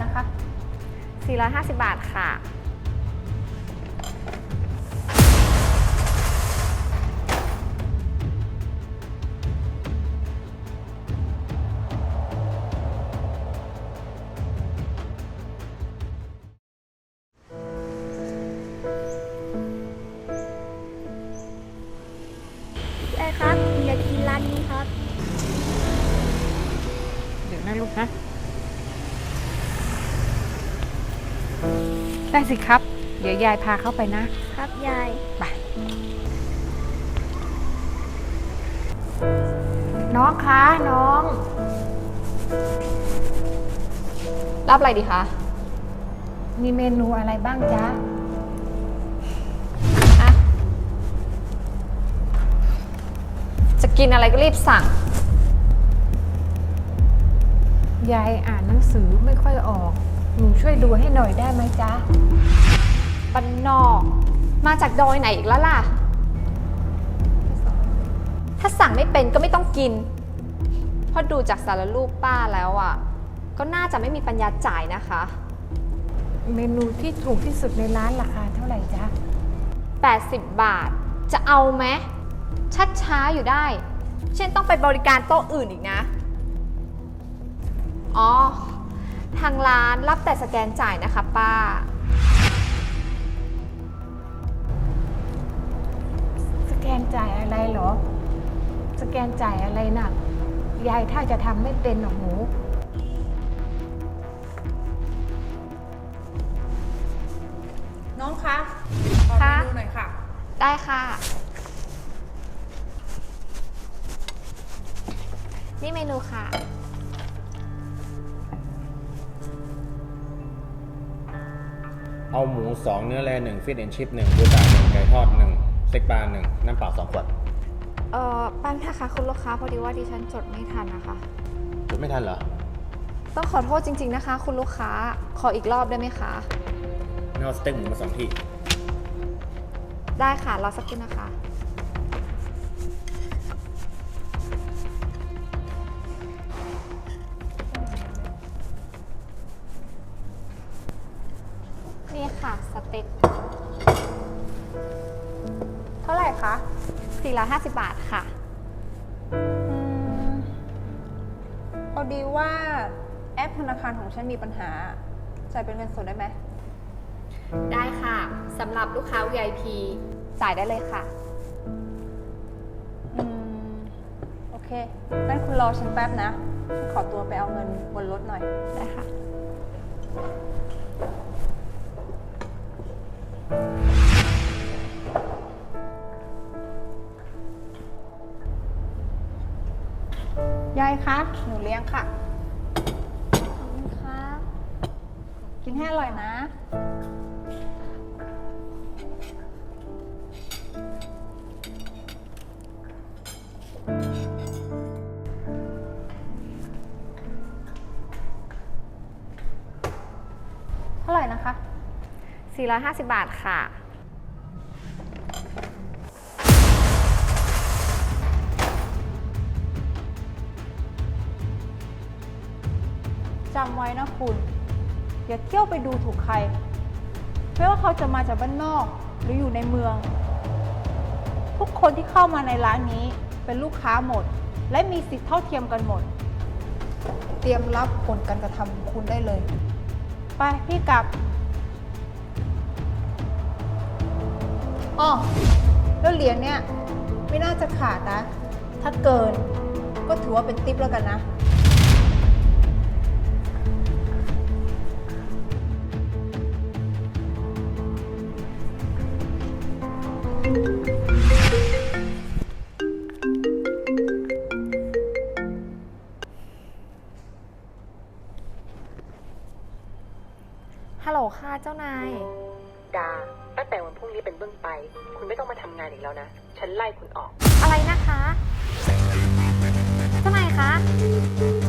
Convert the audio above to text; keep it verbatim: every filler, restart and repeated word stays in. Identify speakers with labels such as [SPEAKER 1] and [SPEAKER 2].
[SPEAKER 1] คะ
[SPEAKER 2] สี่ร้อยห้าสิบบาทค่ะ
[SPEAKER 3] ได้ครับอยากกินร้านนี้ครับ
[SPEAKER 1] เดี๋ยวนะลูกนะได้สิครับ เดี๋ยวยายพาเข้าไปนะครับ
[SPEAKER 3] ยาย
[SPEAKER 1] ไปน้องคะน้อง
[SPEAKER 2] รับอะไรดีคะ
[SPEAKER 1] มีเมนูอะไรบ้างจ๊ะ
[SPEAKER 2] อะจะกินอะไรก็รีบสั่ง
[SPEAKER 1] ยายอ่านหนังสือไม่ค่อยออก หนูช่วยดูให้หน่อยได้ไหมจ๊ะ
[SPEAKER 2] ปันนอก มาจากดอยไหนอีกแล้วล่ะ ถ้าสั่งไม่เป็นก็ไม่ต้องกิน เพราะดูจากสารรูปป้าแล้วอ่ะ ก็น่าจะไม่มีปัญญาจ่ายนะคะ
[SPEAKER 1] เมนูที่ถูกที่สุดในร้านราคาเท่าไหร่จ๊ะ
[SPEAKER 2] แปดสิบบาท จะเอาไหมชัดช้าอยู่ได้ เช่นต้องไปบริการโต๊ะอื่นอีกนะ อ๋อ ทางร้านรับแต่สแกนจ่ายนะคะป้า
[SPEAKER 1] สแกนจ่ายอะไรเหรอ สแกนจ่ายอะไรน่ะ ยายถ้าจะทำไม่เป็นหรอกหนู
[SPEAKER 4] น้องคะขอเม
[SPEAKER 2] ค่ะ
[SPEAKER 4] นูหน่อยค่ะ
[SPEAKER 2] ได้ค่ะ นี่เมนูค่ะ
[SPEAKER 5] เอาหมูสองเนื้อแร่หนึ่งฟิตแอนชิพหนึ่งบูดาหนึ่งไก่ทอดหนึ่งสเต็กปลาหนึ่งน้ำเปล่าสองขวด
[SPEAKER 2] เอ่อแป๊บนะคะคุณลูกค้าพอดีว่าดิฉันจดไม่ทันนะคะ
[SPEAKER 5] จดไม่ทันเหรอ
[SPEAKER 2] ต้องขอโทษจริงๆนะคะ คุณลูกค้า ขออีกรอบได้ไหมคะ
[SPEAKER 5] งั้นเอาสเต็กหมูมาสองที่
[SPEAKER 2] ได้ค่ะ รอสักครู่นะคะ นี่ค่ะ สเต็ก
[SPEAKER 4] เท่าไหร่คะ
[SPEAKER 2] สี่ร้อยห้าสิบบาทค่ะ
[SPEAKER 4] อืมพอดีว่าแอปธนาคารของฉันมีปัญหา จ่ายเป็นเงินสดได้ไหม
[SPEAKER 2] ได้ค่ะ สำหรับลูกค้า วี ไอ พี จ่ายได้เลยค่ะ
[SPEAKER 4] อืม โอเคงั้นคุณรอฉันแป๊บนะ ขอตัวไปเอาเงินบนรถหน่อย
[SPEAKER 2] ได้ค่ะ
[SPEAKER 4] ยายคะ หนูเลี้ยงค่ะ
[SPEAKER 2] ขอบคุณค่ะ
[SPEAKER 4] กินให้อร่อยนะ เท่าไหร่นะคะ
[SPEAKER 2] สี่ร้อยห้าสิบบาทค่ะ
[SPEAKER 4] จำไว้นะคุณ อย่าเที่ยวไปดูถูกใคร ไม่ว่าเขาจะมาจากบ้านนอกหรืออยู่ในเมือง ทุกคนที่เข้ามาในร้านนี้เป็นลูกค้าหมด และมีสิทธิ์เท่าเทียมกันหมด เตรียมรับผลการกระทำของคุณได้เลย ไปพี่กลับอ๋อแล้วเหรียญเนี่ยไม่น่าจะขาดนะ ถ้าเกินก็ถือว่าเป็นทิปแล้วกันนะ
[SPEAKER 2] ฮัลโหลค่ะเจ้านาย
[SPEAKER 6] ดา ตั้งแต่วันพรุ่งนี้เป็นต้นไป คุณไม่ต้องมาทำงานอีกแล้วนะ ฉันไล่คุณออก
[SPEAKER 2] อะไรนะคะ เจ้านายคะ